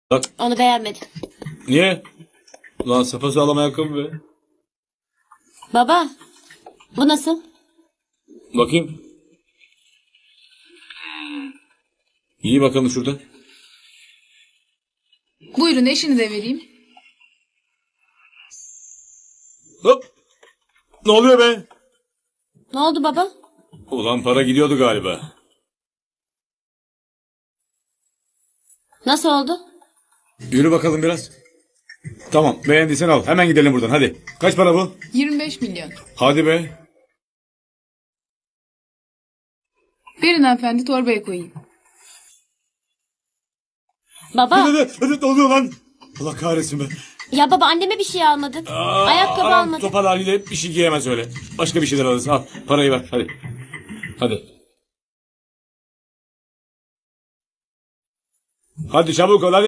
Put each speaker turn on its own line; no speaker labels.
Bak
Onu beğenmedim.
niye? Lan sapasağlam ayakkabı be.
Baba, bu nasıl?
Bakayım. İyi bakalım şurada.
Buyurun eşini de vereyim.
Hop. Ne oluyor be?
Ne oldu baba?
Ulan para gidiyordu galiba.
Nasıl oldu?
Yürü bakalım biraz. Tamam beğendiysen al. Hemen gidelim buradan hadi. Kaç para bu?
25 milyon.
Hadi be.
Verin hanımefendi torbaya koyayım.
Baba,
Ne oluyor lan? Allah kahretsin be.
ya baba anneme bir şey almadık. Ayakkabı
Anam
almadık.
topal haliyle bir şey giyemez öyle. Başka bir şeyler alırsın. Al parayı ver hadi. Hadi. Hadi çabuk ol hadi.